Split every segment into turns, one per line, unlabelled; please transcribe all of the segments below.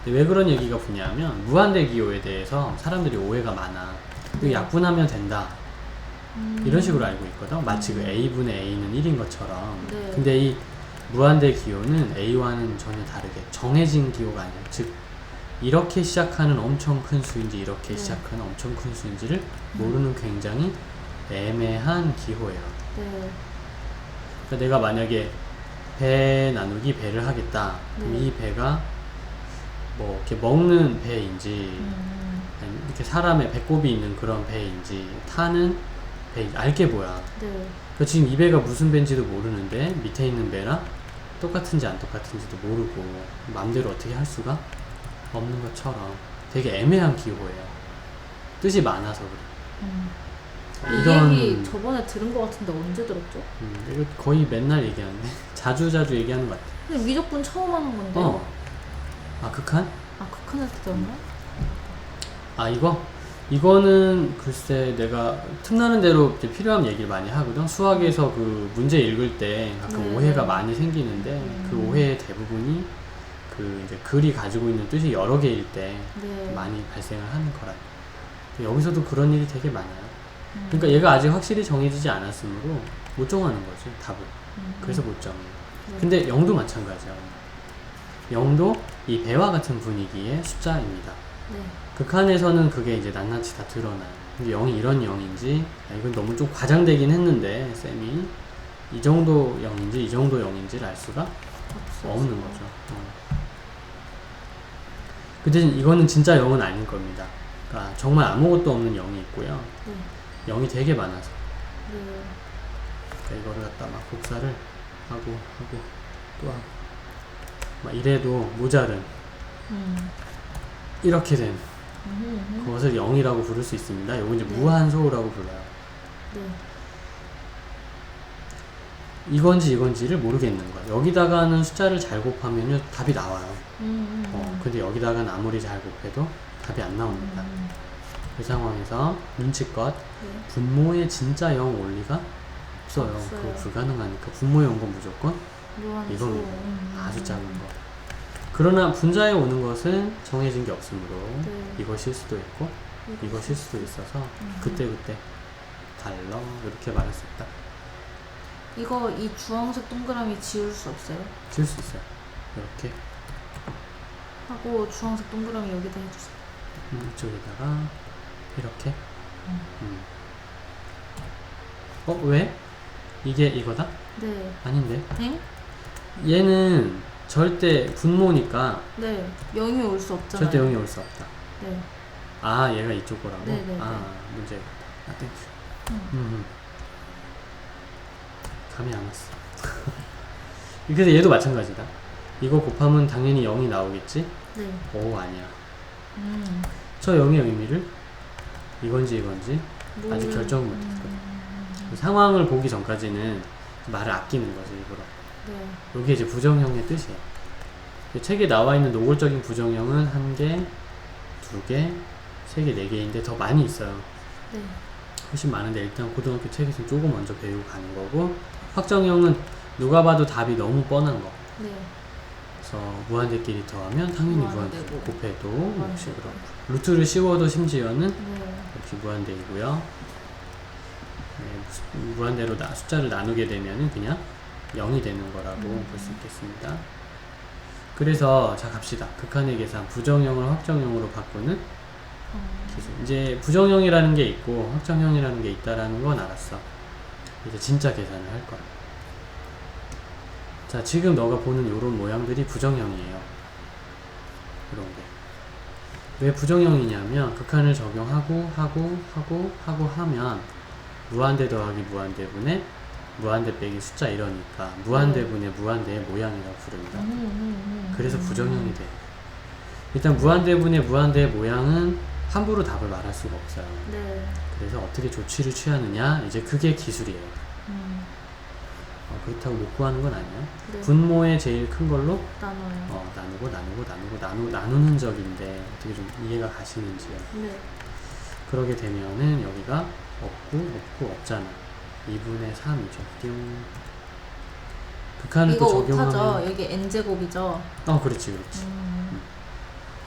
근데 왜 그런 얘기가 붙냐면 무한대 기호에 대해서 사람들이 오해가 많아. 이거
네.
약분하면 된다. 이런 식으로 알고 있거든. 마치 그 A분의 A는 1인 것처럼.
네.
근데 이 무한대 기호는 A와는 전혀 다르게 정해진 기호가 아니야. 즉 이렇게 시작하는 엄청 큰 수인지 이렇게
네.
시작하는 엄청 큰 수인지를 모르는 굉장히 애매한 기호예요.
네.
그러니까 내가 만약에 배 나누기 배를 하겠다. 그럼
네.
이 배가 뭐 이렇게 먹는 배인지 아니면 이렇게 사람의 배꼽이 있는 그런 배인지 타는 배 알게 뭐야.
네.
그러니까 지금 이 배가 무슨 배인지도 모르는데 밑에 있는 배랑 똑같은지 안 똑같은지도 모르고 마음대로 어떻게 할 수가 없는 것처럼 되게 애매한 기호예요. 뜻이 많아서 그래.
이 얘기 저번에 들은 것 같은데 언제 들었죠?
이거 거의 맨날 얘기하는데 자주 얘기하는 것 같아.
근데 미적분 처음 하는 건데.
아 극한?
아 극한에서 들었나?
아 이거는 글쎄 내가 틈나는 대로 이제 필요한 얘기를 많이 하거든. 수학에서 그 문제 읽을 때 가끔
네.
오해가 많이 생기는데 그 오해의 대부분이 그 이제 글이 가지고 있는 뜻이 여러 개일 때
네.
많이 발생을 하는 거라. 여기서도 그런 일이 되게 많아요. 그러니까 얘가 아직 확실히 정해지지 않았으므로 못 정하는 거지 답을. 그래서 못 정해요.
네.
근데 0도 마찬가지야. 0도 이 배와 같은 분위기의 숫자입니다.
네.
극한에서는 그게 이제 낱낱이 다 드러나요. 근데 0이 이런 0인지, 이건 너무 좀 과장되긴 했는데, 쌤이. 이 정도 0인지, 이 정도 0인지를 알 수가 없는 거죠. 그 대신 이거는 진짜 0은 아닐 겁니다. 그러니까 정말 아무것도 없는 0이 있고요.
네.
0이 되게 많아서.
네.
그러니까 이거를 갖다 막 복사를 하고, 또 하고. 막 이래도 모자른, 이렇게 된 그것을 0이라고 부를 수 있습니다. 이건 이제
네.
무한소라고 불러요.
네.
이건지를 모르겠는 거야. 여기다가는 숫자를 잘 곱하면 답이 나와요. 근데 여기다가는 아무리 잘 곱해도 답이 안 나옵니다. 그 상황에서 눈치껏
네.
분모에 진짜 0 올 리가 없어요. 그거 불가능하니까 분모에 온 건 무조건
무한수.
이겁니다. 아주 작은 거. 그러나 분자에 오는 것은 정해진 게 없으므로
네.
이것일 수도 있고 이것일 수도 있어서 그때그때 달러 이렇게 말할 수 있다.
이거 이 주황색 동그라미 지울 수 없어요?
지울 수 있어요. 이렇게
하고 주황색 동그라미 여기다 해주세요.
이쪽에다가 이렇게 왜? 이게 이거다?
네.
아닌데
땡?
얘는 절대 분모니까
네. 0이 올 수 없잖아요.
절대 0이 올 수 없다.
네.
아 얘가 이쪽 거라고?
네네네.
문제 땡큐. 감이 안 왔어. 그래서 얘도 마찬가지다. 이거 곱하면 당연히 0이 나오겠지?
네.
오 아니야. 저 0의 의미를 이건지 아직 결정을 못했거든. 상황을 보기 전까지는 말을 아끼는 거지 일부러.
네.
여기 이제 부정형의 뜻이에요. 책에 나와 있는 노골적인 부정형은 1개, 2개, 3개, 4개인데 더 많이 있어요.
네.
훨씬 많은데 일단 고등학교 책에서 조금 먼저 배우고 가는 거고, 확정형은 누가 봐도 답이 너무 뻔한 거.
네.
그래서 무한대끼리 더하면 당연히 무한대고,
무한대고.
곱해도
무한대고.
역시 그렇고, 루트를 씌워도 심지어는
네.
역시 무한대이고요. 무한대로 숫자를 나누게 되면은 그냥 0이 되는 거라고 볼 수 있겠습니다. 그래서 자 갑시다. 극한의 계산 부정형을 확정형으로 바꾸는 기술. 이제 부정형이라는 게 있고 확정형이라는 게 있다라는 건 알았어. 이제 진짜 계산을 할 거야. 자 지금 너가 보는 요런 모양들이 부정형이에요. 이런 게. 왜 부정형이냐면 극한을 적용하고 하면 무한대 더하기 무한대분의 무한대 빼기 숫자 이러니까 무한대분의 무한대의 모양이라고 부릅니다. 그래서 부정형이 돼. 일단 무한대분의 무한대의 모양은 함부로 답을 말할 수가 없어요.
네.
그래서 어떻게 조치를 취하느냐 이제 그게 기술이에요. 그렇다고 못 구하는 건 아니에요.
네.
분모의 제일 큰 걸로
나눠요.
나누는 적인데 어떻게 좀 이해가 가시는지요.
네.
그러게 되면은 여기가 없고 없잖아. 2분의 3이죠. 띵. 극한을
이거
또 적용하면
오타죠? 여기 n제곱이죠?
그렇지.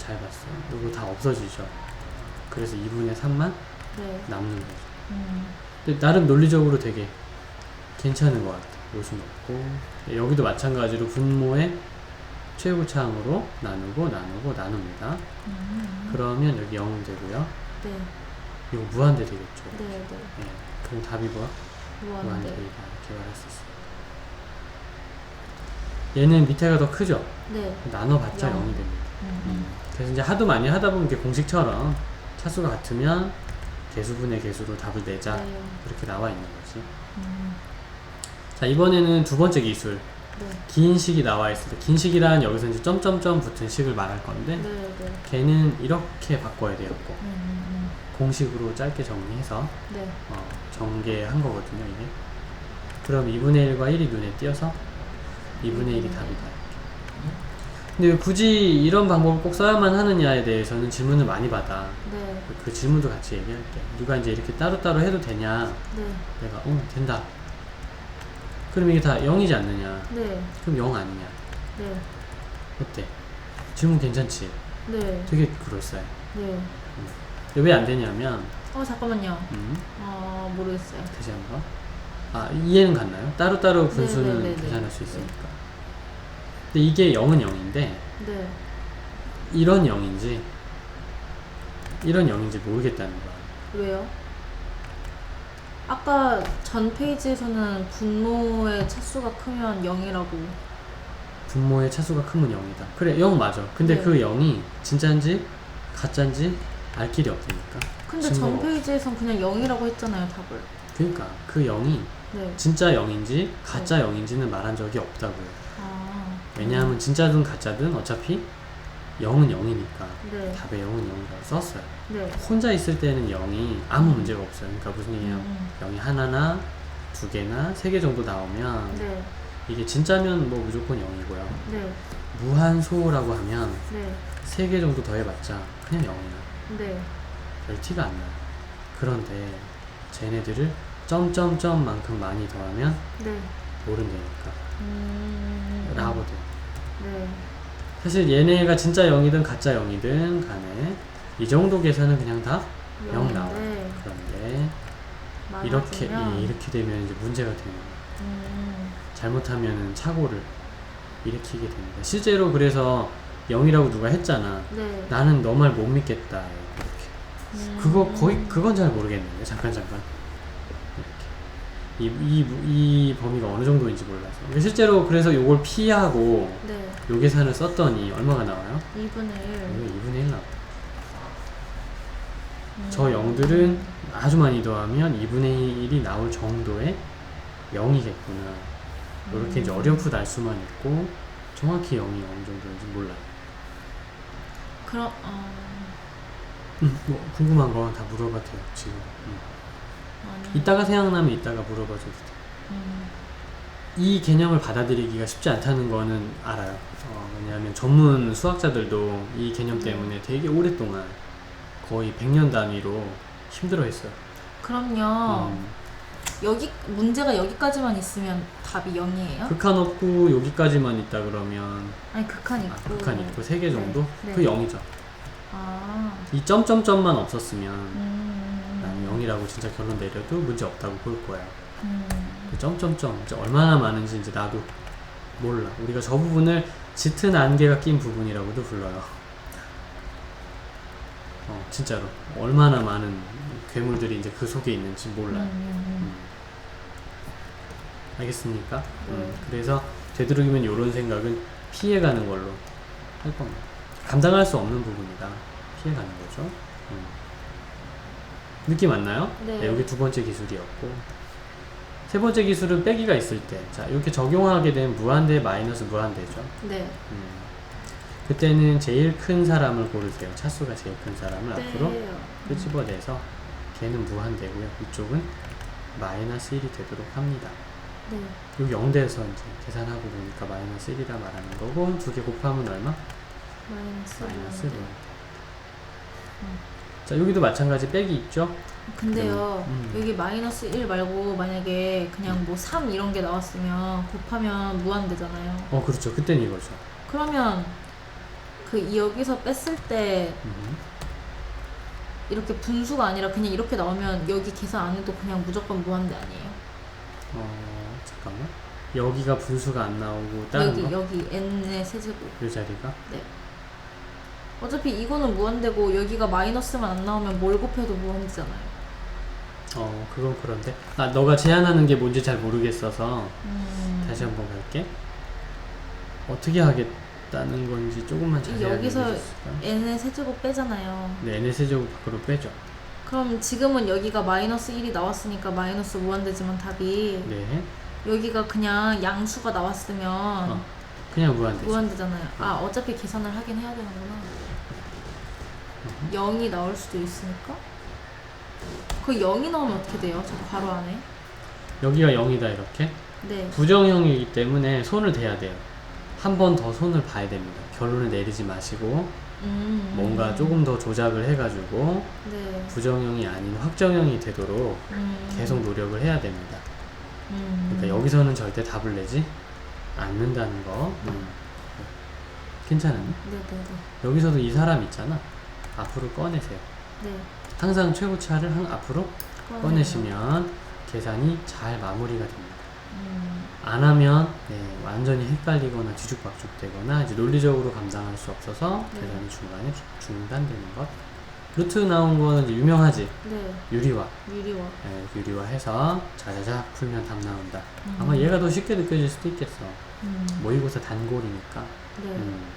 잘 봤어. 이거 다 없어지죠. 그래서 2분의 3만
네.
남는 거죠.
음.
근데 나름 논리적으로 되게 괜찮은 것 같아. 요수 넣고 여기도 마찬가지로 분모의 최고차항으로 나눕니다. 그러면 여기 0 되고요.
네.
이거 무한대 되겠죠.
네. 네.
예, 그럼 답이 뭐야?
무한대.
무한대이다 이렇게 말할 수 있어요. 얘는 밑에가 더 크죠?
네.
나눠봤자
0.
0이 됩니다. 그래서 이제 하도 많이 하다 보면 이렇게 공식처럼 차수가 같으면 개수분의 개수로 답을 내자
네.
이렇게 나와 있는 거지.
음.
자, 이번에는 두 번째 기술.
네.
긴 식이 나와 있을 때, 긴 식이란 여기서 이제 점점점 붙은 식을 말할 건데,
네. 네.
걔는 이렇게 바꿔야 되었고,
음.
공식으로 짧게 정리해서
네.
전개한 거거든요, 이게. 그럼 2분의 1과 1이 눈에 띄어서 2분의 1이 답이다. 근데 왜 굳이 이런 방법을 꼭 써야만 하느냐에 대해서는 질문을 많이 받아.
네.
그 질문도 같이 얘기할게. 누가 이제 이렇게 따로따로 해도 되냐?
네.
내가, 된다. 그럼 이게 다 0이지 않느냐?
네.
그럼 0 아니냐?
네.
어때? 질문 괜찮지?
네.
되게 그럴싸해.
네.
왜 안 되냐면,
잠깐만요.
음,
모르겠어요.
다시 한번. 이해는 갔나요? 따로따로 분수는
네.
계산할 수 있으니까. 근데 이게 0은 0인데,
네.
이런 0인지, 이런 0인지 모르겠다는 거야.
왜요? 아까 전 페이지에서는 분모의 차수가 크면 0이라고.
분모의 차수가 크면 0이다. 그래, 0 맞아. 근데
네.
그 0이 진짜인지, 가짜인지 알 길이 없으니까.
근데
증거가
전
없어.
페이지에선 그냥 0이라고 했잖아요, 답을.
그러니까 그 0이
네.
진짜 0인지, 가짜 0인지는 말한 적이 없다고요. 왜냐하면 진짜든 가짜든 어차피 0은 0이니까
네.
답에 0은 0이라고 썼어요.
네.
혼자 있을 때는 0이 아무 문제가 없어요. 그러니까 무슨 얘기냐면
음.
0이 하나나 두 개나 세 개 정도 나오면
네.
이게 진짜면 뭐 무조건 0이고요.
네.
무한소라고 하면
네.
세 개 정도 더해봤자 그냥 0이야.
네.
별 티가 안 나요. 그런데 쟤네들을 점점점만큼 많이 더하면
네.
모른다니까.
음.
라거든.
네.
사실 얘네가 진짜 0이든 가짜 0이든 간에 이 정도 계산은 그냥 다 0 나와요.
네.
그런데
많아지면.
이렇게 되면 이제 문제가 되는 거예요.
음.
잘못하면 착오를 일으키게 됩니다. 실제로 그래서 0이라고 누가 했잖아.
네.
나는 너 말 못 믿겠다. 이렇게. 그건 잘 모르겠는데. 잠깐. 이렇게. 이 범위가 어느 정도인지 몰라서. 실제로 그래서 요걸 피하고
네.
요 계산을 썼더니 얼마가 나와요?
2분의 1.
이거 2분의 1 나와요. 저 0들은 아주 많이 더하면 2분의 1이 나올 정도의 0이겠구나. 이렇게 이제 어렴풋 알 수만 있고 정확히 0이 어느 정도인지 몰라요.
그럼
뭐 궁금한 거 다 물어봐도 돼요 지금.
아니.
이따가 생각나면 이따가 물어봐줘도 돼. 이 개념을 받아들이기가 쉽지 않다는 거는 알아요. 왜냐하면 전문 수학자들도 이 개념 때문에 되게 오랫동안 거의 100년 단위로 힘들어했어요.
그럼요. 여기 문제가 여기까지만 있으면 답이 0이에요?
극한 없고 여기까지만 있다 그러면
아니 극한 있고.
극한 있고 3개 정도?
네.
그 0이죠. 이 점점점만 없었으면 나는 0이라고 진짜 결론 내려도 문제 없다고 볼 거야. 그 점점점 이제 얼마나 많은지 이제 나도 몰라. 우리가 저 부분을 짙은 안개가 낀 부분이라고도 불러요. 진짜로 얼마나 많은 괴물들이 이제 그 속에 있는지 몰라요. 알겠습니까? 그래서 되도록이면 이런 생각은 피해가는 걸로 할 겁니다. 감당할 수 없는 부분이다. 피해가는 거죠. 느낌 왔나요?
네.
여기 두 번째 기술이었고, 세 번째 기술은 빼기가 있을 때, 자 이렇게 적용하게 된 무한대 마이너스 무한대죠.
네.
그때는 제일 큰 사람을 고르세요. 차수가 제일 큰 사람을
네.
앞으로 끄집어내서 걔는 무한대고요. 이쪽은 마이너스 1이 되도록 합니다.
네.
여기 0대에서 이제 계산하고 보니까 마이너스 1이라 말하는 거고, 두 개 곱하면 얼마? 마이너스 1. 자 여기도 마찬가지 빼기 있죠?
근데요,
음.
여기 마이너스 1 말고 만약에 그냥 뭐 3 이런 게 나왔으면 곱하면 무한대잖아요.
그렇죠. 그땐 이거죠.
그러면 여기서 뺐을 때 이렇게 분수가 아니라 그냥 이렇게 나오면 여기 계산 안 해도 그냥 무조건 무한대 아니에요?
잠깐만. 여기가 분수가 안 나오고 다른 거?
여기 n의 세제곱.
이 자리가?
네. 어차피 이거는 무한대고 여기가 마이너스만 안 나오면 뭘 곱해도 무한대잖아요.
그건 그런데. 너가 제안하는 게 뭔지 잘 모르겠어서 다시 한번 갈게. 어떻게 하겠다는 건지 조금만 자세하게
여기서
해주실까요?
n의 세제곱 빼잖아요.
네, n의 세제곱 밖으로 빼죠.
그럼 지금은 여기가 마이너스 1이 나왔으니까 마이너스 무한대지만 답이
네.
여기가 그냥 양수가 나왔으면
그냥 무한대죠.
무한대잖아요. 어차피 계산을 하긴 해야 되는구나. 0이 나올 수도 있으니까. 그 0이 나오면 어떻게 돼요? 저 괄호 안에.
여기가 0이다 이렇게.
네.
부정형이기 때문에 손을 대야 돼요. 한 번 더 손을 봐야 됩니다. 결론을 내리지 마시고 뭔가 조금 더 조작을 해가지고
네.
부정형이 아닌 확정형이 되도록 계속 노력을 해야 됩니다. 그러니까 여기서는 절대 답을 내지 않는다는 거. 괜찮아요?
네네네.
여기서도 이 사람 있잖아. 앞으로 꺼내세요.
네.
항상 최고차를 앞으로 꺼내시면 계산이 잘 마무리가 됩니다. 안 하면 완전히 헷갈리거나 뒤죽박죽 되거나 이제 논리적으로 감당할 수 없어서
네.
계산이 중간에 중단되는 것. 루트 나온 거는 이제 유명하지.
네.
유리화.
유리화.
유리화해서 자자작 풀면 답 나온다. 아마 얘가 더 쉽게 느껴질 수도 있겠어. 모의고사 단골이니까.
네.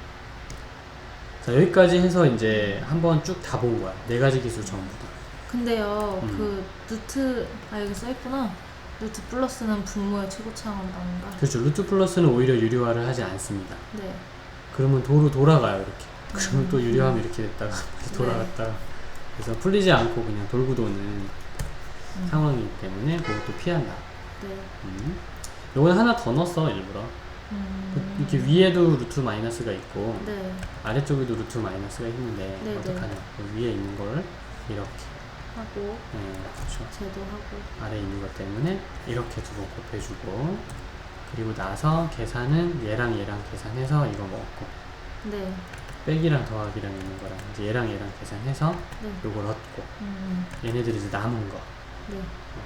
자, 여기까지 해서 이제 한번 쭉 다 본 거야. 네 가지 기술 전부 다.
근데요, 루트, 여기 써있구나. 루트 플러스는 분모의 최고차항으로 나온다.
그렇죠. 루트 플러스는 오히려 유리화를 하지 않습니다.
네.
그러면 도로 돌아가요, 이렇게. 그러면 또 유리화하면 이렇게 됐다가 다시 돌아갔다가. 그래서 풀리지 않고 그냥 돌고 도는 상황이기 때문에 그것도 피한다.
네.
요거는 하나 더 넣었어, 일부러. 이렇게 위에도 루트 마이너스가 있고
네.
아래쪽에도 루트 마이너스가 있는데
네네.
어떡하냐. 그 위에 있는 걸 이렇게.
하고,
그렇죠.
제도하고.
아래 있는 것 때문에 이렇게 두 번 곱해주고, 그리고 나서 계산은 얘랑 계산해서 이거 먹고,
네.
빼기랑 더하기랑 있는 거랑 이제 얘랑 계산해서
네.
요걸 얻고,
음.
얘네들이 이제 남은 거.
네.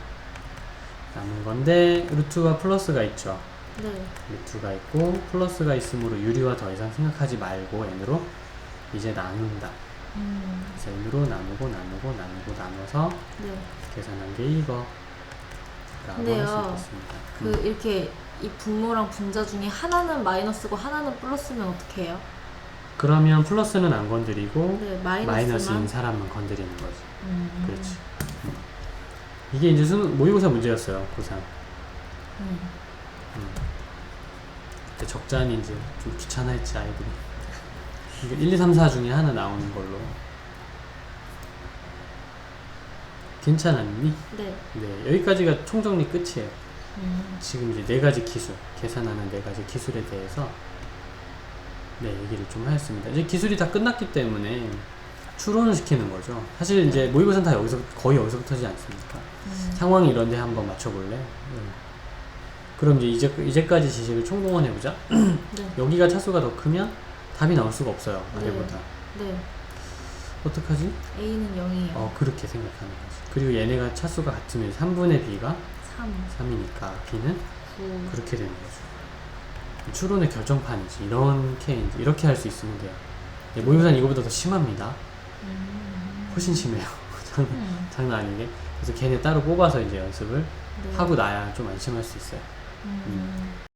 남은 건데 루트와 플러스가 있죠.
네.
루트가 있고 플러스가 있으므로 유리와 더 이상 생각하지 말고 n으로 이제 나눈다. 그래서 n으로 나눠서
네.
계산한 게 이거 라고 할 수
근데요,
있겠습니다.
이렇게 이 분모랑 분자 중에 하나는 마이너스고 하나는 플러스면 어떻게 해요?
그러면 플러스는 안 건드리고
네,
마이너스인 사람만 건드리는 거지.
음.
그렇지. 이게 이제 모의고사 문제였어요. 고3. 그때 적잖이 이제 좀 귀찮아했지 아이들이. 이게 1, 2, 3, 4 중에 하나 나오는 걸로. 괜찮았니?
네.
네, 여기까지가 총정리 끝이에요. 지금 이제 네 가지 기술, 계산하는 네 가지 기술에 대해서 얘기를 좀 하였습니다. 이제 기술이 다 끝났기 때문에 추론을 시키는 거죠. 사실 이제 모의고사는 다 거의 여기서부터지 않습니까? 상황이 이런데 한번 맞춰볼래? 그럼 이제까지 지식을 총동원해보자.
네.
여기가 차수가 더 크면 답이 나올 수가 없어요. 아래보다.
네.
어떡하지?
A는 0이에요.
그렇게 생각하는 거지. 그리고 얘네가 차수가 같으면 3분의 B가
3,
3이니까 B는
9.
그렇게 되는 거죠. 추론의 결정판이지. 이렇게 할 수 있으면 돼요. 모의고사는 이거보다 더 심합니다. 훨씬 심해요. 장난 아니게. 그래서 걔네 따로 뽑아서 이제 연습을 하고 나야 좀 안심할 수 있어요.